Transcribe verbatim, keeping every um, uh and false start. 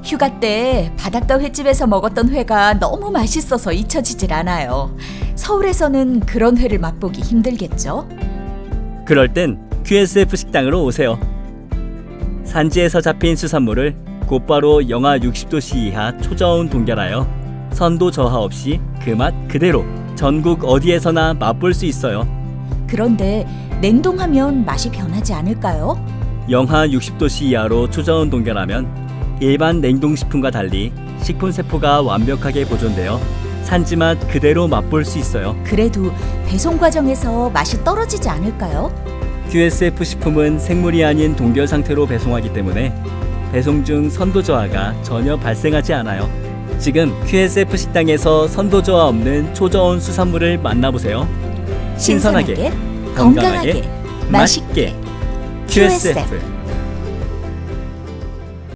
휴가 때 바닷가 횟집에서 먹었던 회가 너무 맛있어서 잊혀지질 않아요. 서울에서는 그런 회를 맛보기 힘들겠죠? 그럴 땐 큐에스에프 식당으로 오세요. 산지에서 잡힌 수산물을 곧바로 영하 육십 도씨 이하 초저온 동결하여 선도 저하 없이 그 맛 그대로 전국 어디에서나 맛볼 수 있어요. 그런데 냉동하면 맛이 변하지 않을까요? 영하 육십 도씨 이하로 초저온 동결하면 일반 냉동식품과 달리 식품 세포가 완벽하게 보존되어 산지맛 그대로 맛볼 수 있어요. 그래도 배송 과정에서 맛이 떨어지지 않을까요? 큐에스에프 식품은 생물이 아닌 동결 상태로 배송하기 때문에 배송 중 선도 저하가 전혀 발생하지 않아요. 지금 큐에스에프 식당에서 선도 저하 없는 초저온 수산물을 만나보세요. 신선하게, 건강하게, 맛있게 큐에스에프